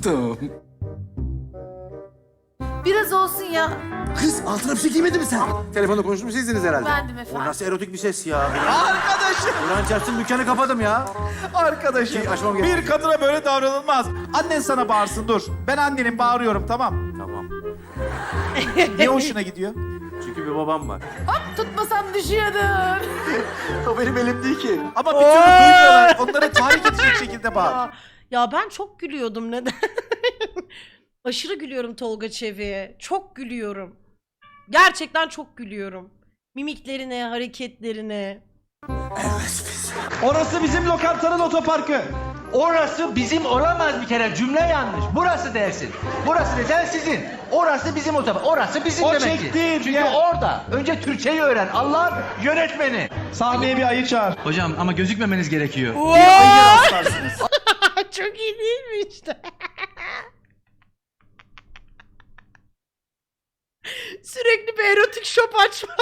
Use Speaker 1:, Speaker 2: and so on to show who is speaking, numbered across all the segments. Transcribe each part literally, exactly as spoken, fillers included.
Speaker 1: Tamam.
Speaker 2: Biraz olsun ya.
Speaker 1: Kız altına bir şey giymedin mi sen?
Speaker 3: Telefonda konuşmuş sizdiniz herhalde.
Speaker 2: Bendim
Speaker 3: O
Speaker 2: efendim.
Speaker 3: nasıl erotik bir ses ya?
Speaker 4: Arkadaşım,
Speaker 3: Kur'an çarpsın dükkanı kapadım ya.
Speaker 4: arkadaşım.
Speaker 3: İyi, açmam gerek.
Speaker 4: Bir kadına böyle davranılmaz. Annen sana bağırsın, dur. Ben annenin bağırıyorum, tamam.
Speaker 3: Tamam.
Speaker 4: Ne hoşuna gidiyor?
Speaker 3: Çünkü bir babam var.
Speaker 2: Hop tutmasam düşüyordum.
Speaker 3: O benim elim değil ki.
Speaker 4: Ama bir türlü duymuyorlar. Onları tahrik edecek şekilde bağır.
Speaker 5: Ya, ya ben çok gülüyordum neden? Aşırı gülüyorum Tolga Çevik'e. Çok gülüyorum. Gerçekten çok gülüyorum. Mimiklerine, hareketlerine.
Speaker 6: Orası bizim lokantanın otoparkı. Orası bizim olamaz bir kere, cümle yanlış. Burası dersin. Burası desen sizin. Orası bizim otopark. Orası bizim
Speaker 4: O
Speaker 6: demek ki.
Speaker 4: çektiğin
Speaker 6: Çünkü
Speaker 4: yer.
Speaker 6: orada önce Türkçeyi öğren. Allah yönetmeni.
Speaker 4: Sahneye bir ayı çağır.
Speaker 7: Hocam ama gözükmemeniz gerekiyor.
Speaker 5: Çok iyi değil mi işte? Sürekli bir erotik shop açma.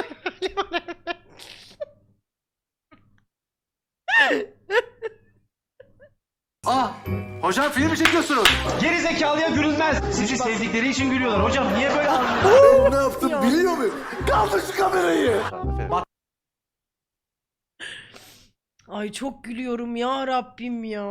Speaker 3: Ah! Hocam film mi çekiyorsunuz?
Speaker 6: Geri zekalıya gülünmez. Sizi sevdikleri için gülüyorlar. Hocam niye böyle anlıyorsun?
Speaker 1: Ben ne yaptım biliyor muyum? Kaldır şu kamerayı.
Speaker 5: Ay çok gülüyorum ya Rabbim ya.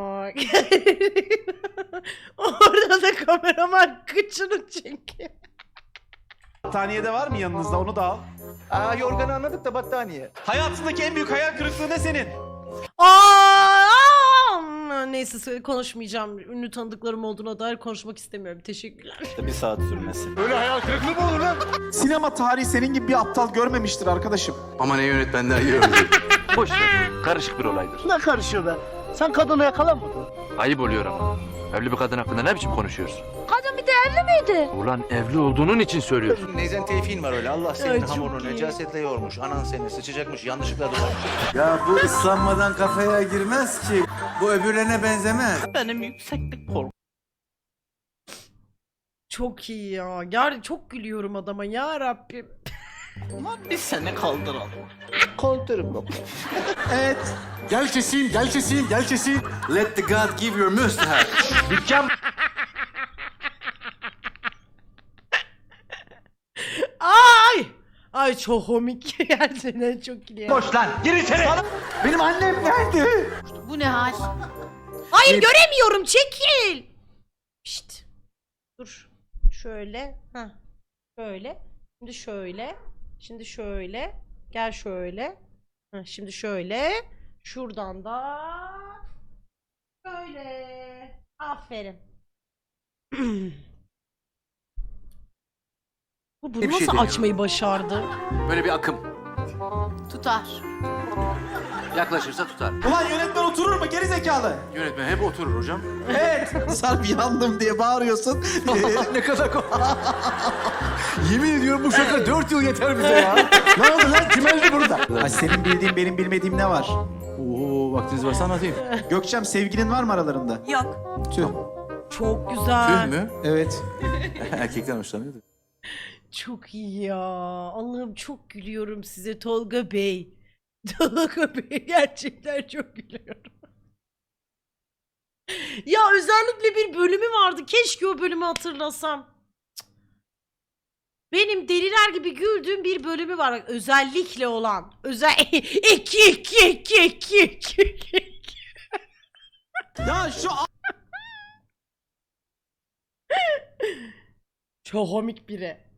Speaker 5: Orada da kameraman kıçını çekiyor.
Speaker 4: Battaniyede var mı yanınızda? Onu da al.
Speaker 6: Aa, yorganı anladık da battaniye.
Speaker 4: Hayatındaki en büyük hayal kırıklığı ne senin?
Speaker 5: Aa, neyse söyle- konuşmayacağım. Ünlü tanıdıklarım olduğuna dair konuşmak istemiyorum. Teşekkürler.
Speaker 6: Bir saat sürmesi.
Speaker 3: Öyle hayal kırıklığı mı olur lan?
Speaker 4: Sinema tarihi senin gibi bir aptal görmemiştir arkadaşım.
Speaker 3: Ama ne yönetmenler gördü.
Speaker 8: Boş ver. Karışık bir olaydır.
Speaker 6: Ne karışıyor be? Sen kadını yakalamadın.
Speaker 8: Ayıp oluyor ama. Evli bir kadın hakkında ne biçim konuşuyorsun?
Speaker 2: Kadın bir de evli miydi?
Speaker 8: Ulan evli olduğunun için söylüyorsun.
Speaker 6: Neyzen Tevfik'in var öyle. Allah
Speaker 5: Ay,
Speaker 6: senin
Speaker 5: çok
Speaker 6: hamurunu
Speaker 5: iyi.
Speaker 6: necasetle yoğurmuş. Anan seni sıçacakmış. Yanlışlıkla doğmuş.
Speaker 3: Ya bu ıslanmadan kafaya girmez ki. Bu öbürlerine benzemez.
Speaker 6: Benim yükseklik korkum.
Speaker 5: Çok iyi ya. Ger çok gülüyorum adama ya Rabbim.
Speaker 6: Biz seni kaldıralım. Kaldırın bak.
Speaker 4: Evet.
Speaker 1: Gel keseyim, gel keseyim, gel keseyim.
Speaker 3: Let the God give your mustache.
Speaker 6: Dükkan
Speaker 5: Ay! Ay çok komik. Gerçekten çok iyi.
Speaker 6: boş lan. Gir içeri.
Speaker 4: Benim annem nerede?
Speaker 2: Bu ne hal?
Speaker 5: Hayır göremiyorum. Çekil. Şşt. Dur. Şöyle. Ha. Şöyle. Şimdi şöyle. Şimdi şöyle. Gel şöyle. Ha, şimdi şöyle. Şuradan da şöyle. Aferin. Bu bunu
Speaker 3: Bir şey
Speaker 5: nasıl
Speaker 3: deniyorum.
Speaker 5: açmayı başardı?
Speaker 3: Böyle bir akım.
Speaker 2: Tutar.
Speaker 3: Yaklaşırsa tutar.
Speaker 4: Ulan yönetmen oturur mu geri zekalı?
Speaker 3: Yönetmen hep oturur hocam.
Speaker 4: Evet. Sarp yandım diye bağırıyorsun.
Speaker 3: Ne kadar Yemin ediyorum bu şaka dört yıl yeter bize ya. Ne oldu lan? Kim öldü burada?
Speaker 4: Ay senin bildiğin benim bilmediğim ne var?
Speaker 3: Oo, vaktiniz varsa anlatayım.
Speaker 4: Gökçem sevgilin var mı aralarında?
Speaker 2: Yok.
Speaker 4: Tüh.
Speaker 5: Çok güzel.
Speaker 3: Tüh mü?
Speaker 4: Evet.
Speaker 3: Erkekten hoşlanıyor da.
Speaker 5: Çok iyi ya. Allah'ım çok gülüyorum size Tolga Bey. Tolga Bey gerçekten çok gülüyorum. Ya özellikle bir bölümü vardı. Keşke o bölümü hatırlasam. Cık. Benim deliler gibi güldüğüm bir bölümü var. Bak, özellikle olan. Özel iki iki iki iki iki.
Speaker 4: Ya şu
Speaker 5: Çok komik biri.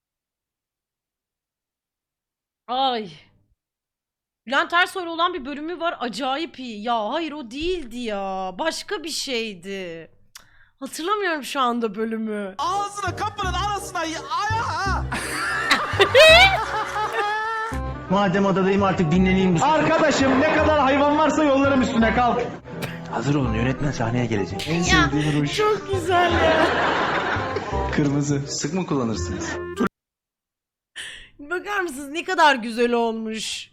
Speaker 5: Ay. Bülent Ersoy'la olan bir bölümü var. Acayip iyi. Ya hayır o değildi ya. Başka bir şeydi. Cık, hatırlamıyorum şu anda bölümü.
Speaker 4: ağzına kapının arasına ya- ayağa.
Speaker 6: Madem odadayım artık dinleneyim bu. Arkadaşım ne kadar hayvan varsa yollarım üstüne kalk.
Speaker 8: Hazır olun yönetmen sahneye gelecek.
Speaker 6: En sevdiğim ruj.
Speaker 5: Çok güzel ya.
Speaker 6: Kırmızı.
Speaker 7: Sık mı kullanırsınız?
Speaker 5: Bakar mısınız ne kadar güzel olmuş.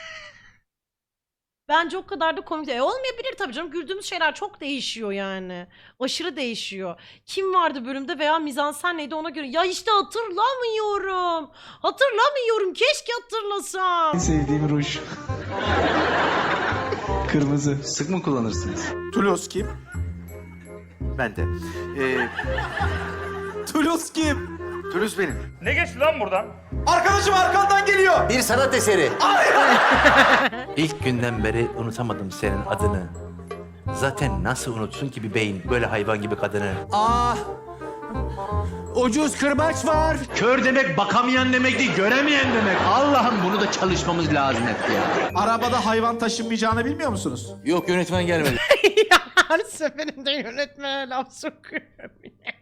Speaker 5: Bence o kadar da komik değil. E, olmayabilir tabii canım. Güldüğümüz şeyler çok değişiyor yani. Aşırı değişiyor. Kim vardı bölümde veya mizansen neydi ona göre. Ya işte hatırlamıyorum. Hatırlamıyorum. Keşke hatırlasam.
Speaker 6: En sevdiğim ruj. Kırmızı.
Speaker 7: Sık mı kullanırsınız?
Speaker 4: Toulouse kim?
Speaker 3: Ben de. Ee,
Speaker 4: Toulouse kim?
Speaker 3: Toulouse benim.
Speaker 9: Ne geçti lan buradan?
Speaker 4: Arkadaşım arkandan geliyor.
Speaker 1: Bir sanat eseri.
Speaker 8: İlk günden beri unutamadım senin adını. Zaten nasıl unutsun ki bir beyin böyle hayvan gibi kadını?
Speaker 1: Aa, ucuz kırbaç var.
Speaker 6: Kör demek bakamayan demek değil, göremeyen demek. Allah'ım bunu da çalışmamız lazım hep ya.
Speaker 4: Arabada hayvan taşınmayacağını bilmiyor musunuz?
Speaker 8: Yok yönetmen gelmedi.
Speaker 5: Ya her seferinde yönetmene laf sokuyorum yine.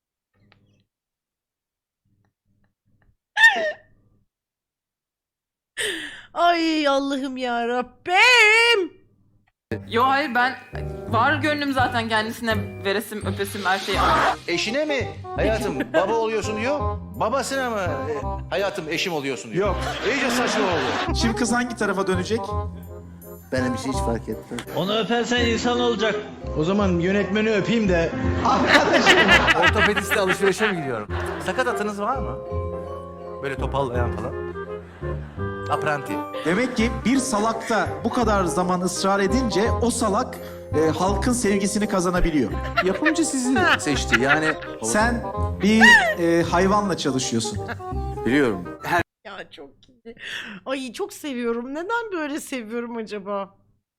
Speaker 5: Ay Allah'ım ya Rabbim.
Speaker 2: Yo hayır ben var gönlüm zaten kendisine veresim öpesim her şeyi.
Speaker 7: Eşine mi? Hayatım baba oluyorsun diyor. Babasına mı? e, Hayatım eşim oluyorsun diyor.
Speaker 4: Yok.
Speaker 7: İyice saçma oldu.
Speaker 4: Şimdi kız hangi tarafa dönecek?
Speaker 1: Benim için hiç fark etmez.
Speaker 6: Onu öpersen insan olacak. O zaman yönetmeni öpeyim de.
Speaker 8: Ortopediste alışverişe mi gidiyorum? Sakat atınız var mı? Böyle topallayan falan. Apranti.
Speaker 4: Demek ki bir salakta bu kadar zaman ısrar edince o salak e, halkın sevgisini kazanabiliyor.
Speaker 3: Yapımcı sizi seçti yani.
Speaker 4: Sen bir e, hayvanla çalışıyorsun.
Speaker 3: Biliyorum. Her
Speaker 5: Ya çok iyi. Ay çok seviyorum. Neden böyle seviyorum acaba?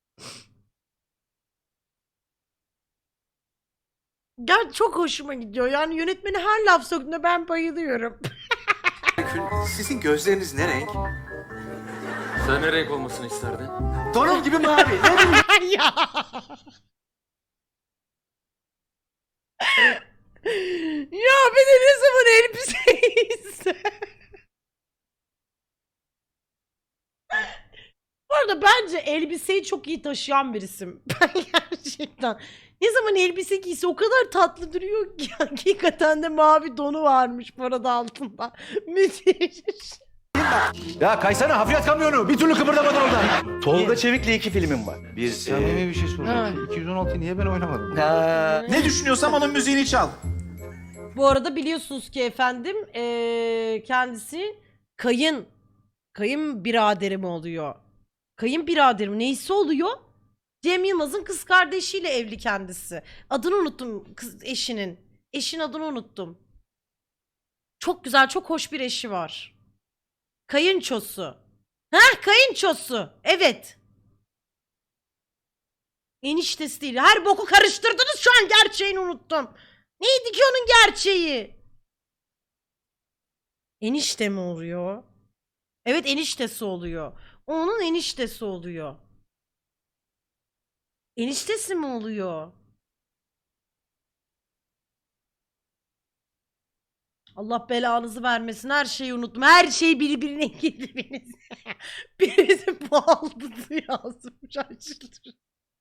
Speaker 5: Gel çok hoşuma gidiyor. Yani yönetmeni her laf söktüğünde ben bayılıyorum.
Speaker 3: sizin gözleriniz ne renk?
Speaker 8: Sen ne renk olmasını isterdin?
Speaker 3: Donum gibi mavi. Ne bileyim.
Speaker 5: Ya. Ya bir de ne zaman elbiseyiz. Bu arada bence elbiseyi çok iyi taşıyan birisim. Ben gerçekten. Ne zaman elbise giyse o kadar tatlı duruyor ki. Hakikaten de mavi donu varmış bu arada altında. Müthiş.
Speaker 7: Ya kaysana hafriyat kamyonu. Bir türlü kıpırdamadın oradan. Tolga Çevik'le iki filmim var.
Speaker 3: Bir samimi bir şey soracağım. iki yüz on altıyı niye ben oynamadım?
Speaker 4: Ne düşünüyorsam onun müziğini çal.
Speaker 5: Bu arada biliyorsunuz ki efendim eee, kendisi kayın kayın biraderim oluyor. Kayın biraderim neyse oluyor. Cem Yılmaz'ın kız kardeşiyle evli kendisi. Adını unuttum kız eşinin. Eşin adını unuttum. Çok güzel, çok hoş bir eşi var. Kayınçosu. Heh, kayınçosu. Evet. Eniştesi değil. Her boku karıştırdınız şu an gerçeğini unuttum. Neydi ki onun gerçeği? Enişte mi oluyor? Evet eniştesi oluyor. Onun eniştesi oluyor. Eniştesi mi oluyor? Allah belanızı vermesin. Her şeyi unuttum. Her şey birbirine girdi birisi. Birisi baldızı yazmış. Ay çıldıracağım.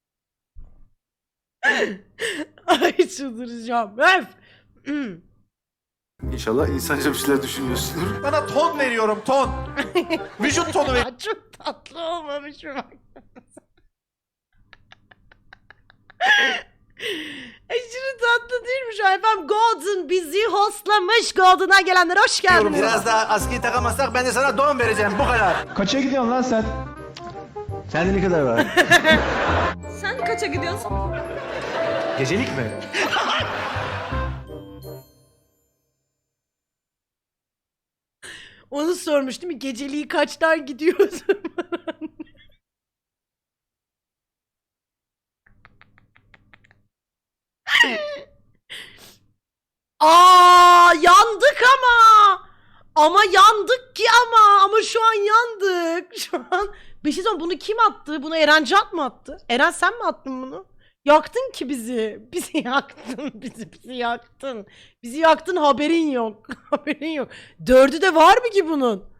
Speaker 5: Ay çıldıracağım. Öf.
Speaker 3: İnşallah insanca bir şeyler düşünüyorsundur.
Speaker 4: Bana ton veriyorum ton. Vücut tonu ver.
Speaker 5: Ya çok tatlı olmamış mı bak. Aşırı tatlı değilmiş efendim. Golden bizi hostlamış. Golden'a gelenler hoş geldiniz.
Speaker 7: Biraz daha askıyı takamazsak ben de sana don vereceğim. Bu kadar.
Speaker 6: Kaça gidiyorsun lan sen? Sende ne kadar var?
Speaker 2: Sen kaça gidiyorsun?
Speaker 7: Gecelik mi?
Speaker 5: Onu sormuş değil mi? Geceliği kaçtan gidiyorsun? Aa yandık ama. Ama yandık ki ama. Ama şu an yandık. Şu an. Bir şey söyleyeyim, bunu kim attı? Bunu Eren Can mı attı? Eren sen mi attın bunu? Yaktın ki bizi. Bizi yaktın. Bizi bizi yaktın. Bizi yaktın haberin yok. Haberin yok. Dördü de var mı ki bunun?